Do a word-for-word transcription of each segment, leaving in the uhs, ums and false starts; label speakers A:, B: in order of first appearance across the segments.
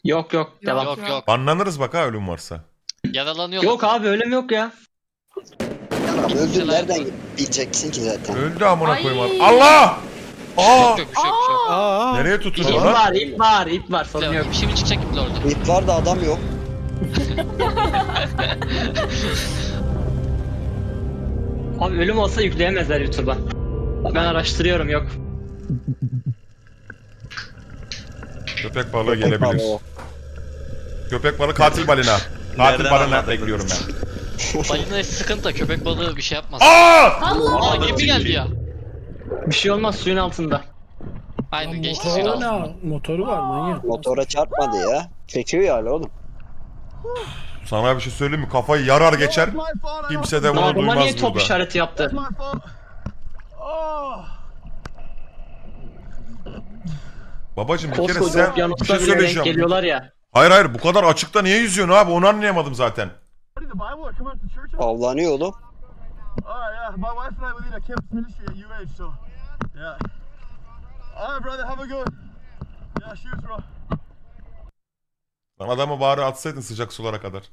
A: Yok yok devam.
B: Yok yok.
C: Banlanırız bak ha ölüm varsa.
B: Yaralanıyor.
A: Yok abi ölüm yok ya.
D: Ya abi öldün
B: Kimseler-
D: nereden bileceksin ki zaten?
C: Öldü amına
E: Ay.
C: koyayım abi. Allah! Aa!
B: Yok yok bir şey yok. Bir şey yok.
F: Aa.
C: Nereye
A: İp
C: tutuyor lan?
A: var ip var ip var sorun yok.
B: Yok, şimdi çıkacak ipli orada.
D: İp var da adam yok.
A: Abi ölüm olsa yükleyemezler YouTube'a. Ben araştırıyorum yok.
C: Köpek balığı
D: Köpek
C: gelebilir.
D: balığı.
C: Köpek balığı katil balina. Katil balina bekliyorum ben.
B: Balina sıkıntı, köpek balığı bir şey yapmaz.
C: Aa!
B: Aa gemi geldi ya.
A: Bir şey olmaz suyun altında.
B: Aynen geçti suyun
F: Motoru
B: altına.
F: ne? Motoru var manyak.
D: Motora çarpmadı ya. Çekiyor ya hala oğlum.
C: Sana bir şey söyleyeyim mi? Kafayı yarar geçer. Kimse de bunu
A: Adama niye
C: duymaz
A: top
C: burada.
A: işareti yaptı?
C: Babacım bir kere
A: Koskoca
C: sen bir
A: okyanusta
C: şey
A: bile denk
C: söyleyeceğim.
A: geliyorlar ya.
C: Hayır hayır bu kadar açıkta niye yüzüyorsun abi? Onu anlayamadım zaten.
D: Avlanıyor oğlum.
G: Oh yeah, my wife and I we lead a campus ministry at U H, so yeah. Alright, brother, have a good one. Yeah, shoes, bro.
C: Lan adamı bari atsaydın sıcak sulara kadar.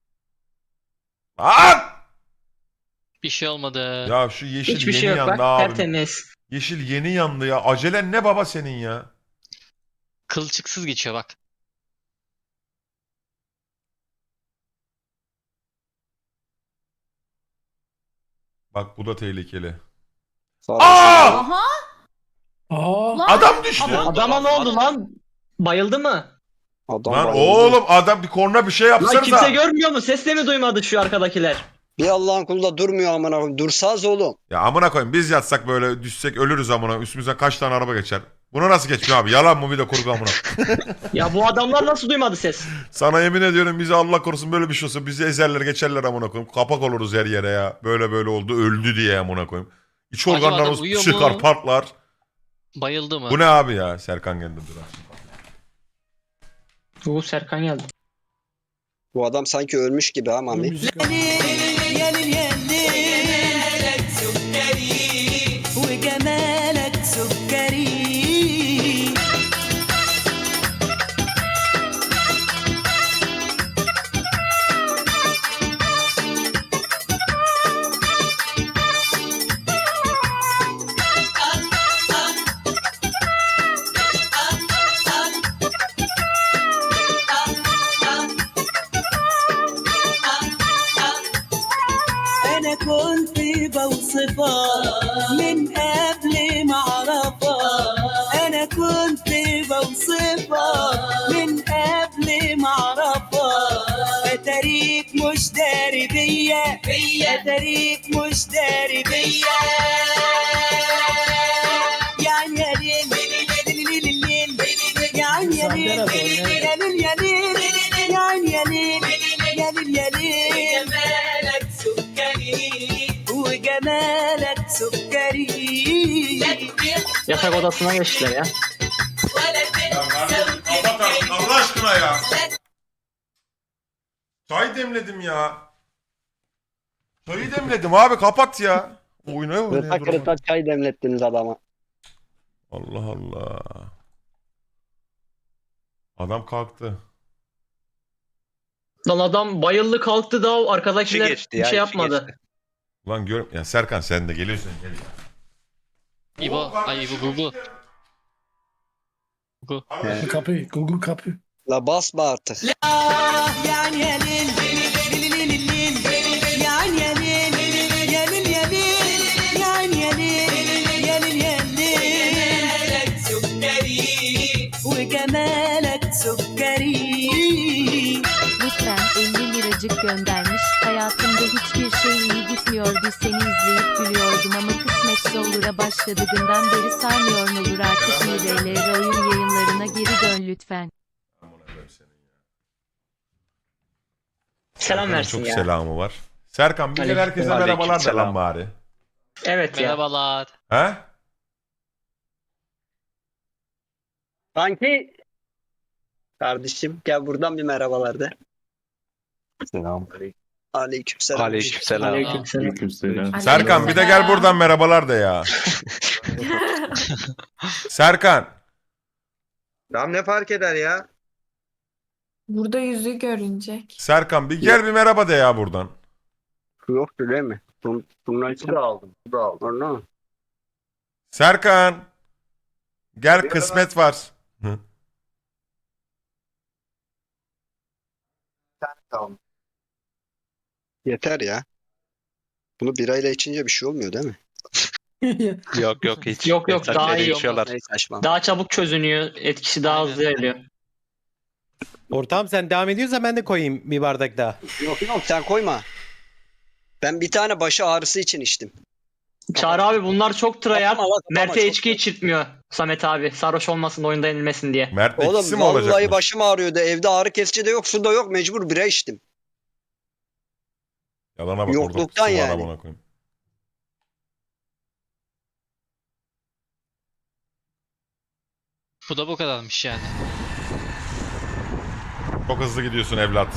C: Lan!
B: Bir şey olmadı.
C: Ya şu yeşil
A: Hiçbir
C: yeni
A: şey yok
C: yandı
A: bak
C: abi.
A: tertemiz.
C: Yeşil yeni yandı ya. Acelen ne baba senin ya?
B: Kılçıksız geçiyor bak.
C: Bak bu da tehlikeli.
D: Sağ
C: Aa!
E: Aha.
F: Aa.
E: Lan.
C: Adam düştü.
E: Adam-
A: Adama ne oldu lan? Bayıldı mı?
D: Adam
C: Lan
D: bayıldı.
C: oğlum adam bir korna bir şey
A: Lan
C: yapsanıza.
A: kimse görmüyor mu? Ses de mi duymadı şu arkadakiler?
D: Bir Allah'ın kulu da durmuyor amına koyayım. Dursaz oğlum.
C: Ya amına koyayım biz yatsak böyle düşsek ölürüz amına. Üstümüzden kaç tane araba geçer. Buna nasıl geçmiyor abi? Yalan mı bir de kurgu amına.
A: Ya bu adamlar nasıl duymadı ses?
C: Sana yemin ediyorum bizi Allah korusun böyle bir şey olsa bizi ezerler geçerler amına koyayım. Kapak oluruz her yere ya. Böyle böyle oldu öldü diye amına koyayım. İç
B: Acaba
C: organlarımız
B: adam uyuyor
C: çıkar
B: mu?
C: patlar.
B: Bayıldı mı?
C: Bu ne abi ya? Serkan geldi dur.
A: Bu Serkan geldi.
D: Bu adam sanki ölmüş gibi ha Mami.
F: Müzik
H: وجمالك سكري انا كنت بوصفها من قبل ما اعرفها انا كنت بوصفها من قبل ما اعرفها اتاريك مش داري بيا اتاريك مش داري بيا يعني يا ليل يعني يا ليل يا ليل يا ليل يعني يا ليل يا ليل يا ليل جمالك سكري وجمالك سكري
A: Yatak odasına geçtiler ya.
C: Allah aşkına ya. Çay demledim ya. Çayı demledim abi kapat ya. Oynaya oynaya
D: Rıta
C: durma.
D: kırıta çay demlettiniz adama.
C: Allah Allah. Adam kalktı.
A: Lan adam bayıldı kalktı da o arkadakiler
I: İşi geçti
A: bir
I: ya,
A: şey
I: işi
A: yapmadı.
I: geçti.
C: Ulan gör ya Serkan sen de geliyorsun gel ya.
B: İbo, ay İbo Gugu. Gugu.
F: kapı. Google kapı.
D: La basma artık.
H: يعني يا ليل ليل ليل ليل يعني يا ليل يا ليل يا ليل يعني يا ليل يا ليل يا ليل جمالك سكري وجمالك سكري
J: Lütfen elli liracık göndermiş. Hayatımda hiçbir şey iyi gitmiyordu. Seni izleyip gülüyordum ama kısmetse olur'a başladığından beri sarmıyor ne olur artık I R L oyun yayınlarına geri dön lütfen.
A: Selam versin
C: Çok
A: ya.
C: selamı var. Serkan bir de
A: Aleyküm-
C: herkese merhabalar da lan
I: Aleykümselam.
C: bari.
A: Evet ya.
B: Merhabalar.
C: He?
D: Kanki. Kardeşim gel buradan bir merhabalar de.
I: Selamünaleyküm.
D: Aleykümselam.
I: Aleykümselam.
A: Aleykümselam.
C: Serkan bir de gel buradan merhabalar de ya. Serkan.
I: Tamam ne fark eder ya?
E: Burada yüzü görünecek.
C: Serkan bir gel bir merhaba de ya buradan.
D: Yoktu değil mi? Bun, bunlar için
I: da aldım. Bu da aldım.
D: Orada mı?
C: Serkan. Gel kısmet var. Hı.
I: Tamam.
D: Yeter ya. Bunu birayla içince bir şey olmuyor değil mi?
K: Yok yok hiç.
A: Yok, yok, daha iyi.
K: içiyorlar.
D: Neyse saçma.
A: Daha çabuk çözünüyor. Etkisi daha hızlı ilerliyor.
L: Ortam sen devam ediyorsan ben de koyayım bir bardak daha.
D: Yok yok sen koyma. Ben bir tane başı ağrısı için içtim.
A: Çağrı abi bunlar çok tryhard.
D: Kapama lan, kapama,
A: Mert'e
D: çok-
A: içki içirtmiyor Samet abi. Sarhoş olmasın da oyunda yenilmesin diye.
C: Mert ikisi
D: Oğlum
C: mi olacak?
D: vallahi başım ağrıyordu. Evde ağrı kesici de yok, su da yok. Mecbur bira içtim.
C: Yalana bak
D: Yokluktan
C: orada.
D: yani.
C: Yani. Koyayım.
B: Bu da bu kadarmış yani.
C: Çok hızlı gidiyorsun evlat.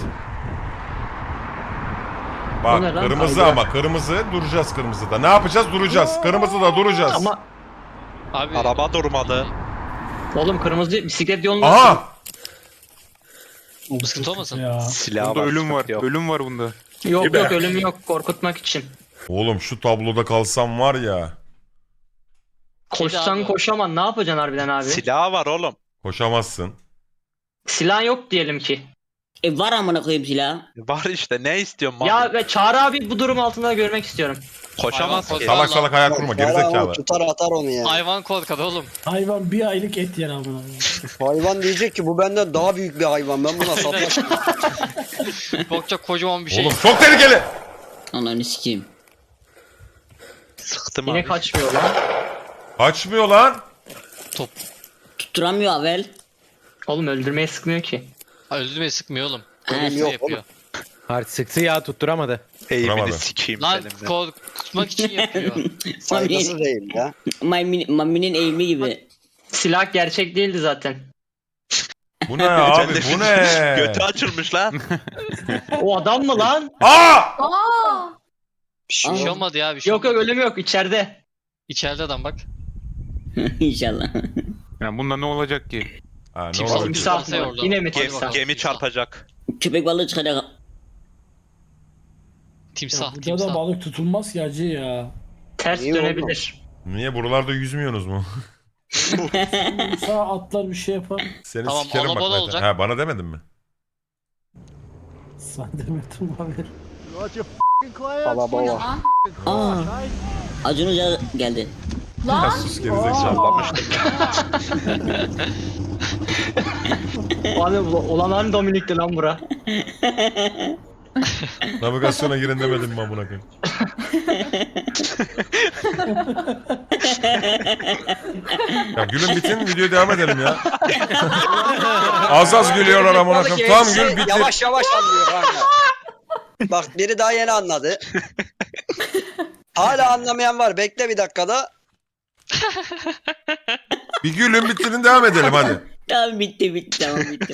A: O
C: Bak
A: ne lan?
C: kırmızı
A: Abi.
C: ama kırmızı duracağız kırmızıda. Ne yapacağız? Duracağız. Kırmızıda duracağız.
A: Ama
B: Abi
K: Araba durmadı.
A: oğlum kırmızı bisiklet yolunda.
C: Aha!
B: sıkıntı olmasın.
F: Ya.
K: Silah
G: Bunda
K: var.
G: ölüm var.
K: sıkıntı yok.
G: Ölüm var bunda.
A: Yok yok ölüm yok korkutmak için.
C: Oğlum şu tabloda kalsam var ya.
A: Koşsan
B: abi.
A: koşaman ne yapacaksın harbiden abi?
K: Silah var oğlum.
C: Koşamazsın.
A: Silah yok diyelim ki.
H: E var amına koyayım silah.
K: Var işte ne istiyorsun?
A: Ya
K: Mahmut?
A: ve Çağrı abi bu durum altında görmek istiyorum.
K: Koşamaz
B: Hayvan
K: ki.
B: korkar.
C: Salak salak hayal kurma
D: Vallahi
C: gerizekalı.
D: o tutar atar onu ya.
B: Hayvan korkar oğlum.
F: Hayvan bir aylık et yer amına.
D: Hayvan diyecek ki bu benden daha büyük bir hayvan. Ben buna saplaşmam.
B: Korkacak kocaman bir şey.
C: Oğlum çok tehlikeli.
H: Ananı sikeyim.
K: Sıktım
A: Yine
K: abi.
A: kaçmıyor lan.
C: Kaçmıyor lan.
H: Tutturamıyor Avel.
A: Oğlum öldürmeye sıkmıyor ki.
B: Ha, öldürmeyi sıkmıyor oğlum.
H: Ha,
D: Ölüm
B: Ne
D: yok
B: yapıyor?
D: oğlum.
L: Artık sıktı ya tutturamadı.
K: Eğimini
C: Duramadı.
K: sikeyim
B: Lan
K: senin de.
B: korkutmak için yapıyor.
D: Saygısız değil ya.
H: Mami'nin Mami'nin eğimi gibi.
A: Silah gerçek değildi zaten.
C: Bu ne abi bu ne?
K: Götü açılmış lan.
A: O adam mı lan?
C: Aa!
E: Aa!
D: Bir şey
B: Bir şey
D: yok.
B: olmadı ya bir şey
A: Yok yok
B: olmadı.
A: ölüm yok içeride.
B: İçeride adam bak.
H: İnşallah.
G: Yani bunda ne olacak ki?
C: Ha, ne
B: Timsah,
C: olabilir?
B: timsah.
A: Timsah mı?
B: orada.
A: Yine mi
B: Gemi-
A: timsah?
K: Gemi çarpacak.
H: Köpek balığı çıkacak.
B: Timsah,
F: Burada da
B: timsah.
F: balık tutulmaz ki acı ya.
A: Ters
D: Niye
A: dönebilir.
C: Niye buralarda yüzmüyorsunuz mu?
F: Sağ atlar bir şey yapar.
C: Seni
B: Tamam,
C: sikerim bak.
B: alabalı
C: Mete.
B: olacak.
C: Ha bana demedin mi?
F: Sen demedim abi.
D: Alababa.
H: Aa. Acun Hoca geldi.
F: Lan!
C: Sus gerizekalı.
K: Sallamıştım.
A: Abi olan hani Dominik'ti lan bura.
C: Navigasyona girin demedim mi amına koyayım? Ya gülün bitin videoya devam edelim ya. Az az gülüyorlar amına koyayım. Tam
D: Hepsi
C: gül bitir.
D: Yavaş yavaş anlıyor kanka. Bak biri daha yeni anladı. Hala anlamayan var. Bekle bir dakikada.
C: Bir gülün bitirin devam edelim hadi.
H: Tamam bitti bitti tamam bitti.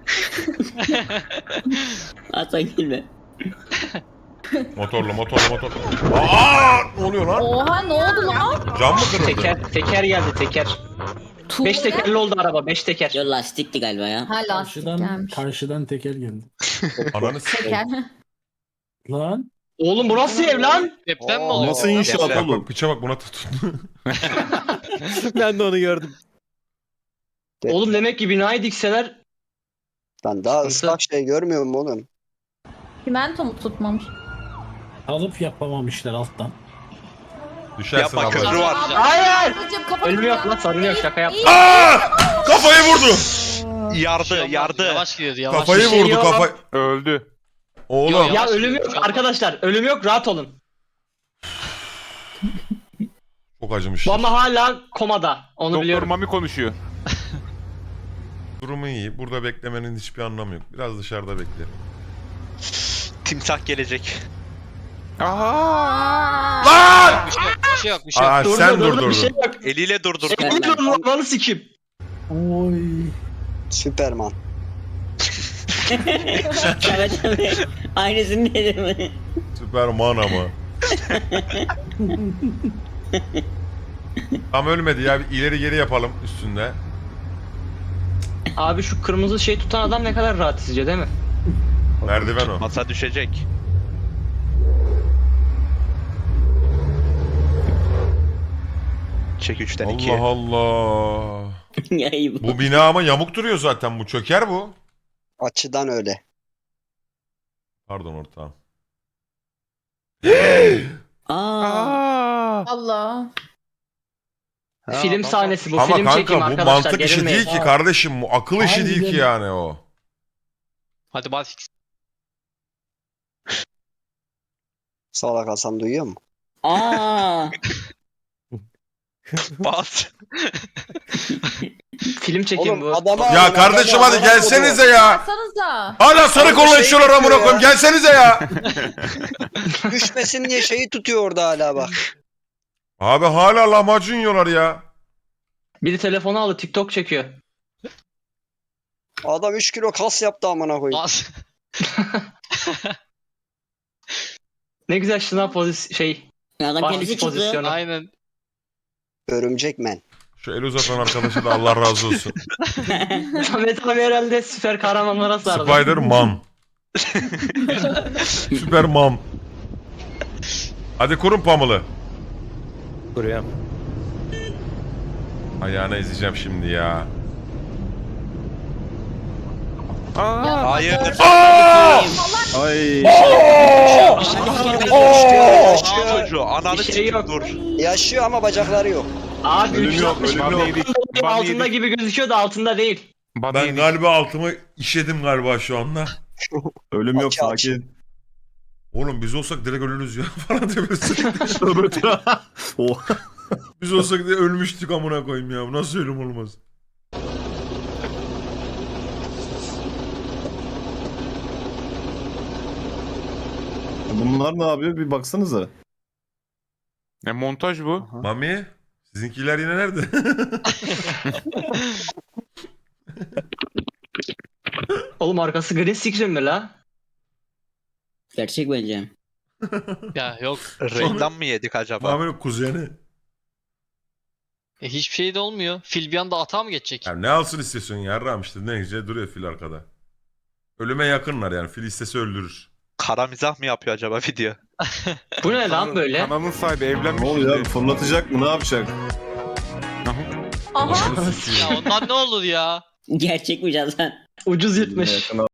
H: Hasan gülme.
C: Motorlu motorlu motorlu. Aa! Ne oluyor lan?
E: Oha ne oldu lan?
C: Cam mı kırıldı?
A: Teker, teker geldi teker. Beş tekerli oldu araba beş teker.
H: Yo lastikti galiba ya.
E: Ha lastik
F: Karşıdan,
E: gelmiş.
F: karşıdan teker geldi.
C: Ananı s**eyim.
E: Teker.
F: Lan!
A: Oğlum bu nasıl ev lan?
B: Deprem mi
D: Oo.
B: oluyor?
G: Nasıl inşaat
C: Bak
G: oğlum?
C: bak piça bak buna tutun.
L: Ben de onu gördüm.
A: Oğlum demek ki binayı dikseler
D: Lan daha ıslak şey görmüyor musun oğlum?
E: Çimento mu tutmamış?
F: Alıp yapamamışlar alttan.
C: Düşersin
K: Yapma köprü
C: abla.
K: var.
A: Hayır!
E: Babacım kapat.
A: Ölüm yok lan sorun yok şaka yap.
C: Aa! Kafayı vurdu.
K: Yardı yardı.
B: Yavaş gidiyordu yavaş.
C: Kafayı
A: Bir şey
C: vurdu
A: yok.
C: kafayı.
G: Öldü.
C: Oğlum.
B: Yok,
A: Ya
B: Yavaş
A: ölüm
B: gidiyor,
A: yok arkadaşlar ölüm yok rahat olun.
C: Çok acımış.
A: Bu ama hala komada onu
G: Doktor
A: biliyorum.
G: Mami konuşuyor.
C: Durumu iyi. Burada beklemenin hiçbir anlamı yok. Biraz dışarıda bekleyelim.
K: Timsah gelecek.
G: Aa!
C: Lan!
B: Bir şey yok bir şey yok. Bir şey yok.
C: Aa,
A: Dur,
C: sen
A: dur, dur,
C: durdurdun.
A: bir şey yok.
K: Eliyle durdur.
A: Dur dur lan lan sikim.
F: Oy.
D: Süperman.
H: Evet abi. Aynısını dedim.
C: Süperman ama. Tam ölmedi ya. Bir ileri geri yapalım üstünde.
A: Abi şu kırmızı şey tutan adam ne kadar rahat izliyor değil mi?
C: Merdiven o.
K: Masa düşecek. Çek üçten iki.
C: Allah Allah. Bu bina ama yamuk duruyor zaten, bu çöker bu.
D: Açıdan öyle.
C: Pardon ortağım.
I: Aa.
E: Allah.
A: Film sahnesi bu.
C: Ama
A: Film çekeyim
C: kanka bu
A: arkadaşlar.
C: mantık işi
A: gerilmeyin.
C: değil ki kardeşim, bu akıl işi değil ki
F: Harbiden.
C: yani o.
B: Hadi Barfix.
D: Salak Hasan duyuyor mu?
I: Aa.
K: Bas.
A: Film çekeyim
D: Oğlum
A: bu.
D: adama
C: Ya kardeşim hadi gelsenize ya.
E: Baksanıza.
C: Hala sarı
D: Abi
C: kolla
D: şey
C: içiyorlar amına
D: yapıyor
C: koyayım.
D: ya.
C: Gelsenize ya.
D: Düşmesin diye şeyi tutuyor orada hala bak.
C: Abi hala lahmacun yiyorlar ya.
A: Biri telefonu aldı TikTok çekiyor.
D: Adam üç kilo kas yaptı amına koyayım.
B: Bas.
A: Ne güzel şınav pozisyon şey.
I: Adam
A: Barfix
I: kendisi çıktı.
A: pozisyonu.
B: Aynen.
D: Örümcek men.
C: Şu el uzatan arkadaşa da Allah razı olsun.
A: Samet abi herhalde süper kahramanlara sardı.
C: Spider-Man. Süperman. Hadi kurun pamulu.
L: Kuruyorum.
C: Ayağına ezeceğim şimdi ya.
K: Hayır.
C: Aa!
I: Ay.
K: Aa çocuğu. Ananı
A: Bir şey
K: sikeyim
A: yok.
K: dur.
D: Yaşıyor ama bacakları yok.
A: Abi
I: Ölüm
A: üç yüz
I: yok,
A: altmış
I: ölüm yok.
A: altında gibi gözüküyor da altında değil.
C: Ben galiba altımı işedim galiba şu anda.
I: Ölüm yok,
D: Aç, aç.
I: sakin.
C: Oğlum biz olsak direkt ölürüz ya falan diyorsun.
I: Oh.
C: Biz olsak diye ölmüştük amına koyayım ya. Bu nasıl ölüm olmaz?
I: Bunlar ne yapıyor? Bir baksanıza.
M: Ne montaj bu?
C: Mami, sizinkiler yine nerede?
A: Oğlum arkası green screen mi la?
I: Gerçek bence.
B: Ya yok.
K: Reklam mı yedik acaba?
C: Mami'nin kuzeni.
B: E, hiçbir şey de olmuyor. Fil bir anda atağa mı geçecek?
C: Ya ne alsın istiyorsun yarram işte, ne güzel duruyor fil arkada. Ölüme yakınlar yani, fil istese öldürür.
K: Kara mizah mı yapıyor acaba video?
A: Bu ne lan böyle?
M: Kanalın sahibi evlenmiş.
I: Ne oluyor
M: şimdi.
I: abi? Fırlatacak mı? Ne yapacak?
E: Aha.
B: Ya ondan ne olur ya?
I: Gerçek mi zaten?
A: Ucuz yırtmış.